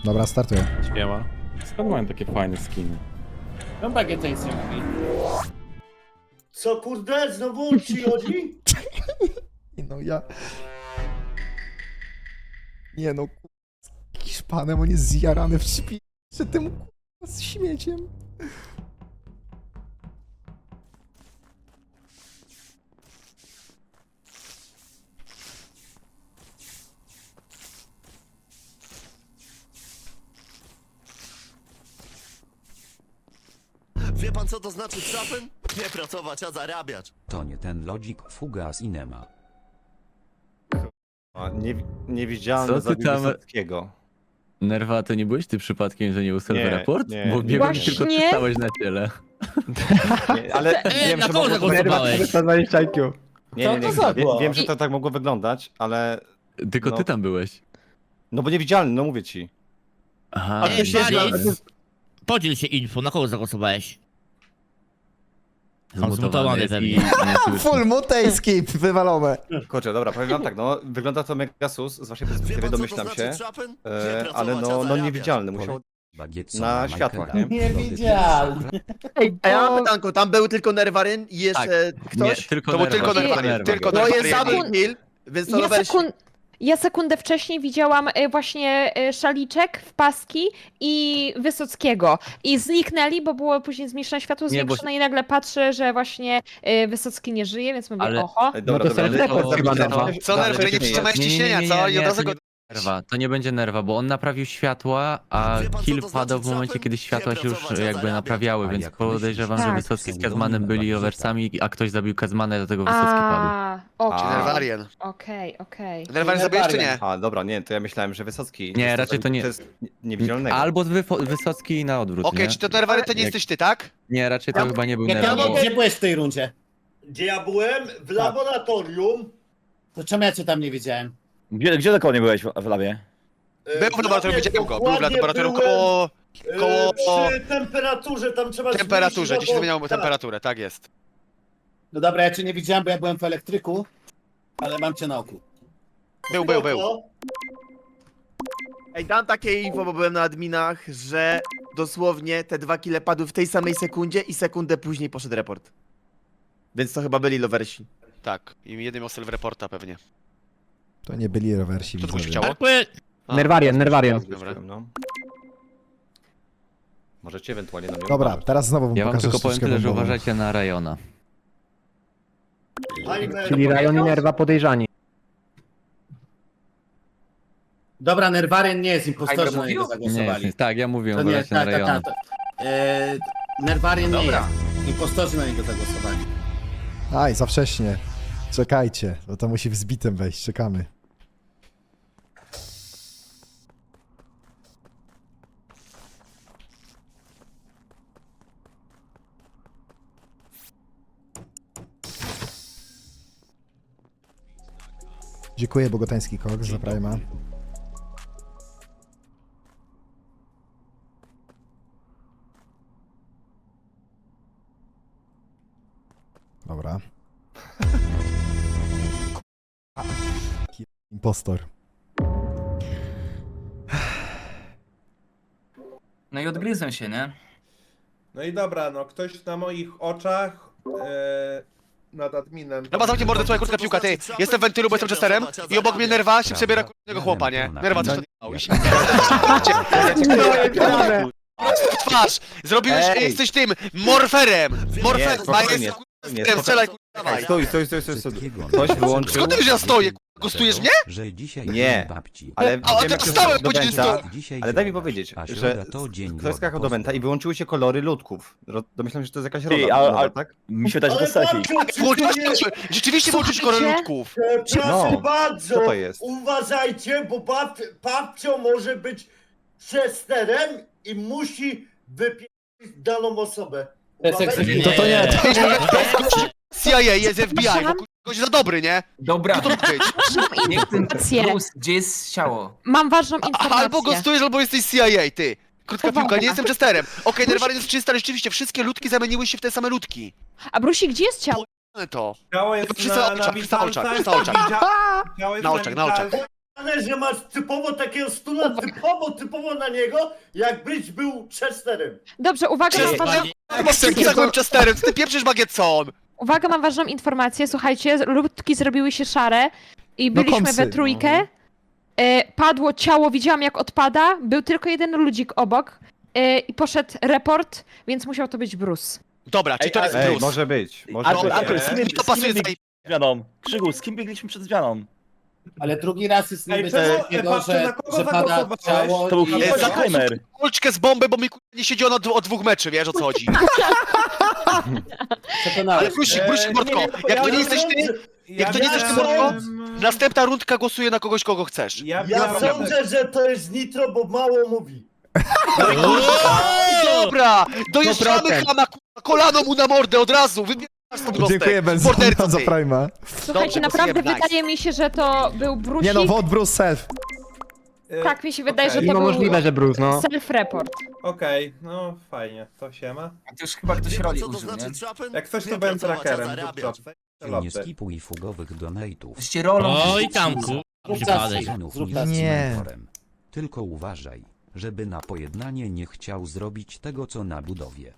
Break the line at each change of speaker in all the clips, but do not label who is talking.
Dobra, startuję.
Śmiała. Skąd mają takie fajne skiny?
No bagieta nic nie mówi.
Co kurde, znowu ci chodzi?
No ja... Nie no, z Hiszpanem, on jest zjarany w szpi... przed tym z śmieciem.
Wie pan co to znaczy trapen? Nie pracować, a zarabiać.
To nie ten lodzik Fuga z Inema.
A, niewidzialny
Co ty
zabił
tam-
Wysockiego.
Nerwa, to nie byłeś ty przypadkiem, że nie usłyszał
Nie,
raport?
nie.
Bo biegłem i
Właśnie.
tylko ty stałeś na ciele.
Nie, ale wiem,
na
że
kogo
mogło...
zagłosowałeś?
120 IQ.
Nie,
Co to za było?
wiem, że to tak mogło wyglądać, ale...
Tylko
No.
ty tam byłeś.
No bo niewidzialny, no mówię ci.
Aha.
Baris, podziel się info, na kogo zagłosowałeś?
Zmutowany
jest
i
i-
nie słyszy.
Full mutejski wywalone.
Kurczę, dobra, powiem wam tak, no wygląda to mega sus, z waszej
Wie
perspektywy
pan co to
domyślam
znaczy
się,
trapen? Nie
ale
pracować, a
no
zarabiać.
niewidzialny, musiał
Bagietcona
na
Michaela.
światłach, nie?
Niewidzialny.
Ej, a ja mam pytanko, tam był tylko Nerwaryn i jeszcze ktoś?
Nie, tylko
to był
nerwa.
tylko Nerwaryn,
Nerwa.
tylko to jest
Nerwaryn.
double kill, więc to
Ja,
Lover...
ja sekundę wcześniej widziałam właśnie Szaliczek w paski i Wysockiego. I zniknęli, bo było później zmniejszone światło
Nie, bo-
zwiększone i nagle patrzę, że właśnie Wysocki nie żyje, więc mówię,
Ale-
oho.
Dobra,
No to
dobra,
self-report
ale-
chyba,
ale-
Nerwa.
ale-
Co, Nerwa, nie przytrzymałeś ciśnienia, co? I od razu
to
go...
nie nerwa, to nie będzie nerwa, bo on naprawił światła, a
Wie pan, co
kill
to
padał w
znaczy
momencie,
trapen?
kiedy światła
Nie
się już
pracować, a
jakby
zarabiać.
naprawiały,
A
więc
jak
podejrzewam,
myślisz,
że
Tak.
Wysocki z
że
Kazmanem byli
Bagieta?
oversami, a ktoś zabił Kazmana, dlatego Wysocki padł.
A, okej.
Nerwarien.
Okej.
Nerwaryn zabiłeś czy nie?
A, dobra, nie, to ja myślałem, że Wysocki...
Nie,
jest
raczej to nie-
To jest niewidzialnego.
Albo Wysocki na odwrót,
Okej,
nie?
czy to Nerwaryn to nie
Jak-
jesteś ty, tak?
Nie, raczej to chyba nie był
Jak ja
nerwa. bo-
gdzie byłeś w tej rundzie?
Gdzie ja byłem? W laboratorium.
To czemu ja cię tam nie widziałem?
Gdzie dokładnie byłeś w labie?
Był w laboratorium, widziałem go, był w
Dokładnie
laboratorium
byłem,
koło
Przy temperaturze, tam trzeba
temperaturze,
zmienić
dziś
robot-
wymieniał
tak.
temperaturę, tak jest.
No dobra, ja cię nie widziałem, bo ja byłem w elektryku, ale mam cię na oku.
Był.
Spoko.
Ej, dam takie info, bo byłem na adminach, że dosłownie te 2 kile padły w tej samej sekundzie i sekundę później poszedł report. Więc to chyba byli lowersi. Tak, i jeden miał self-reporta pewnie.
To nie byli rowersi,
Co tu się
widzowie.
chciało?
Nerwarian.
Dobra. No. Możecie ewentualnie na mnie
Dobra,
uważać.
teraz znowu wam
Ja wam
pokażę
tylko powiem
sztuczkę
tyle, że
bombową.
uważajcie na Rajona.
Czyli
Rajon i Nerwa podejrzani.
Dobra, Nerwaryn nie jest impostorem,
Hajber
na niego
mówił?
Nie,
zagłosowali.
jest, tak, ja mówiłem,
To nie,
uważajcie na
tak.
Rajona.
Nerwaryn nie
Dobra.
jest. Impostorzy na niego zagłosowali.
Aj, za wcześnie. Czekajcie, bo to musi w zbitem wejść, czekamy. Dziękuję, Bogotański Koks za Prima. Dobra. Impostor.
No i odgryzłem się, nie?
No i dobra, no ktoś na moich oczach nad adminem.
No zamknij mordę, słuchaj, kurtka piłka, ty. Jestem w wentylu, bo jestem Chesterem i obok mnie Nerwa się przebiera kurnego chłopa, nie? Nerwa, coś odjebałeś. Twarz! Zrobiłeś,
Ej.
jesteś tym, morferem! Morferem, a
spokojnie,
jest
spokojnie.
strzelaj, kurwa, dawaj.
Stój. Ktoś wyłączył...
Skąd ty wiesz, że ja stoję? Gustujesz mnie?
Że dzisiaj
Nie.
dzień babci.
Ale
A
wiem,
to
jak się
stałem
do
godziny
Wenta,
sto-
Dzisiaj
ale daj mi
środa,
powiedzieć,
a
że
środa to dzień
ktoś skakał do Wenta i wyłączyły się kolory ludków. Domyślam się, że to jest jakaś
Ty,
rola,
a-
nowa,
a-
tak?
Mi się wydaje, że to
Ale
Stasi.
babciu,
Rzeczywiście włączyłeś
Słuchajcie.
korę ludków.
proszę
No,
bardzo,
co to jest?
uważajcie, bo babcio może być Chesterem i musi wypierać daną osobę.
To jest
Uważajcie.
egzekucja.
To nie,
CIA jest FBI, bo gość za dobry, nie?
Dobra,
Co to ma być?
Mam
niech ten
informację.
Bruce, gdzie jest ciało?
Mam ważną informację.
Albo gostujesz, albo jesteś CIA, ty. Krótka
Uwaga.
piłka, nie jestem Chesterem. Okej, Nerwaryn jest czysty, ale rzeczywiście wszystkie ludki zamieniły się w te same ludki.
A Brusi, gdzie jest ciało?
To.
Ciało jest
Przy
na
oczach, przy oczach,
witalcach,
przy oczach.
Ciało jest
Na oczach, na oczach.
witalcach.
że masz typowo takiego stuna, typowo na niego, jakbyś był Chesterem.
Dobrze, uwaga, mam
Chesterem, ty pieprzysz bagietson!
Uwaga, mam ważną informację. Słuchajcie, ludki zrobiły się szare i
No,
byliśmy
komsy.
we trójkę. Padło ciało, widziałam jak odpada. Był tylko jeden ludzik obok i poszedł report, więc musiał to być Bruce.
Dobra, czyli to jest
Ej,
Bruce.
może być.
To pasuje tutaj.
zmianą? Krzygu, z kim biegliśmy przed zmianą?
Ale drugi raz jest
Ej,
niby
czemu,
coś takiego,
Papcio, na kogo
że pada
zagłosowałeś?
ciało
To był
i...
za timer.
Kulczkę z bomby, bo mi nie siedziło od 2 meczy, wiesz o co chodzi.
Przekonałeś.
Ale Brusik, Mordko, jak to nie jesteś ty, jak to nie jesteś ty, Mordko, następna rundka głosuje na kogoś, kogo chcesz.
Ja sądzę, że to jest Nitro, bo mało mówi.
Dobra, dojeżdżamy chama, kolano mu na mordę od razu, wybierasz stąd gostek.
Dziękuję Benson
Morderco
za
ty.
Prima.
Słuchajcie, naprawdę
głosujemy, nice.
wydaje mi się, że to był Bruce.
Nie no, vote Bruce self.
Tak mi się wydaje,
Okej.
że to
No
był
możliwe, że Bruce, no.
self-report.
Okej, no fajnie, to siema.
A to już chyba ktoś
Wiecie,
roli
co to
użył, nie?
znaczy trapen?
Jak coś to
Nie
byłem
pracować, a
trackerem.
zarabiać.
Nie
Loty.
skipuj fugowych donate'ów.
Jesteście rolą.
Oj tam, ku...
Przypadek.
Znów
Zrób
nie
tak.
z
Nie.
mentorem. Tylko uważaj, żeby na pojednanie nie chciał zrobić tego co na budowie.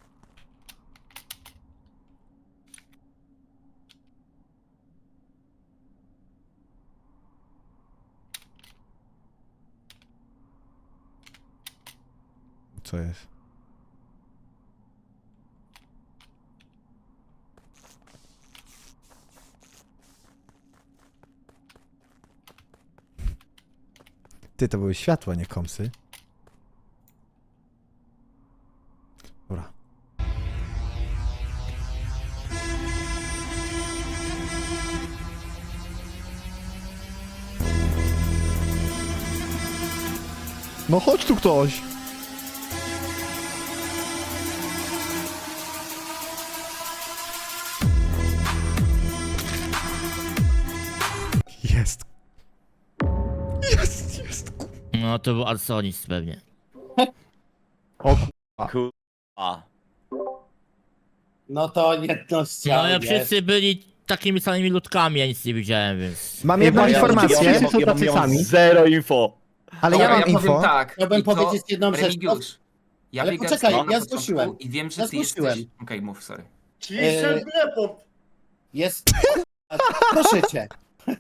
Co jest? Ty, to były światła, nie komsy. Dobra. No chodź tu ktoś! Jest. Jest, jest.
No to był Arsonis pewnie.
A.
No to jedno z ciał
No ja
jest.
wszyscy byli takimi samymi ludkami, ja nic nie widziałem, więc...
Mam jedną informację,
Wszyscy są tacy sami.
Zero info.
ale ja mam info.
Powiem tak.
Chciałbym
i to,
powiedzieć jedną rzecz.
Remigiusz, ja
Ale
biegam
poczekaj,
z tobą na
ja
początku
zgłosiłem.
I wiem, że
Ja
ty jesteś...
zgłosiłem.
Okej, mów, sorry.
Ciszę report.
Jest... Proszę cię.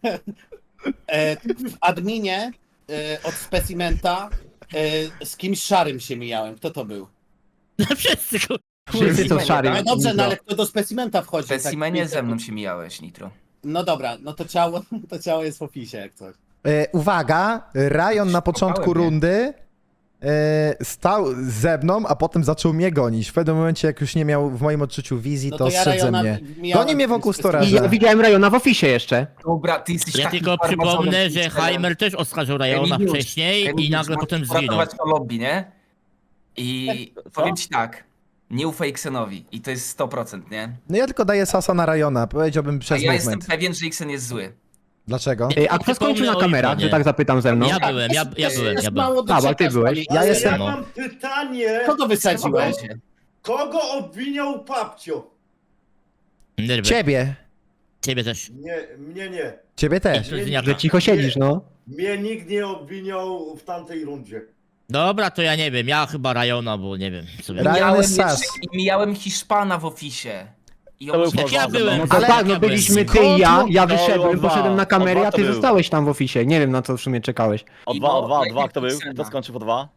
W adminie od specimenta z kimś szarym się mijałem. Kto to był?
Wszyscy, ku... Wszyscy są szari.
No dobrze, no ale kto do specimenta wchodzi?
W specimenie ze mną się mijałeś, Nitro.
No dobra, no to ciało jest w opisie jak coś.
Uwaga, Ryan na początku
Szukałem, nie?
rundy stał ze mną, a potem zaczął mnie gonić. W pewnym momencie, jak już nie miał w moim odczuciu wizji,
No
to
ja
strzedł ze
Ryana
mnie.
mijałem
Goni mnie
w tym
wokół
specimenie.
storaża.
widziałem Rajona w ofisie jeszcze.
Dobra, ty jesteś
Ja
takim
tylko
farmazonem
przypomnę, że
Twitterem.
Heimer też oskarżył Rajona
Remigiusz,
wcześniej i
Remigiusz,
nagle
możesz
potem zginął.
uratować to lobby, nie? I powiem ci tak, nie ufaj Xenowi i to jest 100%, nie?
No ja tylko daję sasa na Ryana, powiedziałbym
A
przez
ja jestem
movement.
pewien, że Xen jest zły.
Dlaczego?
A kto skończył na kamerach, że tak zapytam ze mną?
Tak,
Ja byłem.
Jest mało do
A, bo
czeka
ty
z wami.
byłeś.
Ja
Ale
jestem-
ja mam pytanie,
Kogo wysadziłeś?
kogo obwiniał Papcio?
Nerwy.
Ciebie.
Ciebie też.
Nie, mnie nie.
Ciebie też.
Że cicho siedzisz, no.
Mnie nikt nie obwiniał w tamtej rundzie.
Dobra, to ja nie wiem, ja chyba Rajona, bo nie wiem. Sobie.
Ryan jest sas.
I mijałem Hiszpana w ofisie. I
To był ja byłem.
No to tak,
ja
byliśmy
byłem.
ty i ja,
Ja
To
wyszedłem,
był
poszedłem na
dwa.
kamerę,
O
a
dwa
ty
to był.
zostałeś tam w ofisie. Nie wiem, na co w sumie czekałeś.
O dwa,
Kto był? Kto skończył po 2?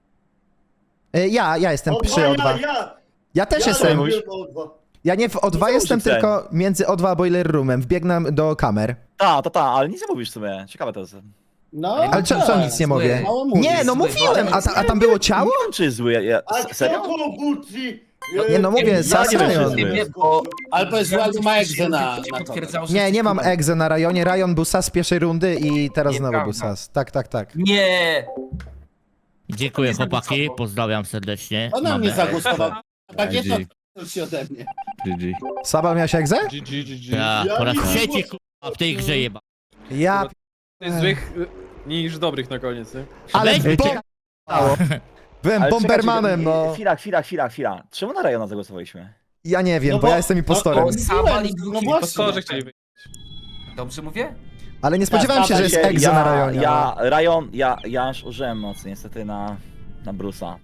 Ja jestem przy O2. Ja też
ja
jestem.
robiłem O2.
Ja nie w O2 jestem, tylko między O2 a Boiler Roomem. Wbiegnę do kamer.
Ale nic nie mówisz w sumie. Ciekawe to jest.
No,
Ale co
tak.
nic nie mówię?
Mało mówisz.
Nie, no
Zły,
mówiłem,
ale-
a tam było ciało?
Czy zły?
A kto Koguti?
Nie, no mówię, Sasajon.
Albo jest zły, albo ma egzę na to.
potwierdzało, że
Nie,
jesteś
nie mam
kurwa.
egzę na Rajonie. Rajon był sas z pierwszej rundy i teraz znowu był
Nieprawda.
sas. Tak.
Nie!
Dziękuję
To nie
chłopaki,
zagłosował.
pozdrawiam serdecznie.
Ona mnie
Mamy-
zagłosował. Tak jest to się ode mnie.
Saba miałeś egzę?
Ja, po raz
Ja nie
trzeci
zagłos-
kurwa w tej grze jeba.
Ja...
Złych niż dobrych na koniec, nie?
Ale
Weź-
byłem bombermanem, no.
Chwila. Czemu na Rajona zagłosowaliśmy?
Ja nie wiem,
No
bo
bo-
ja jestem impostorem.
Saba i
No
dwóch
właśnie.
chcieli być.
Dobrze mówię?
Ale nie spodziewałem się, że jest egzo na Rajonie.
Ja już użyłem mocy niestety na Bruce'a.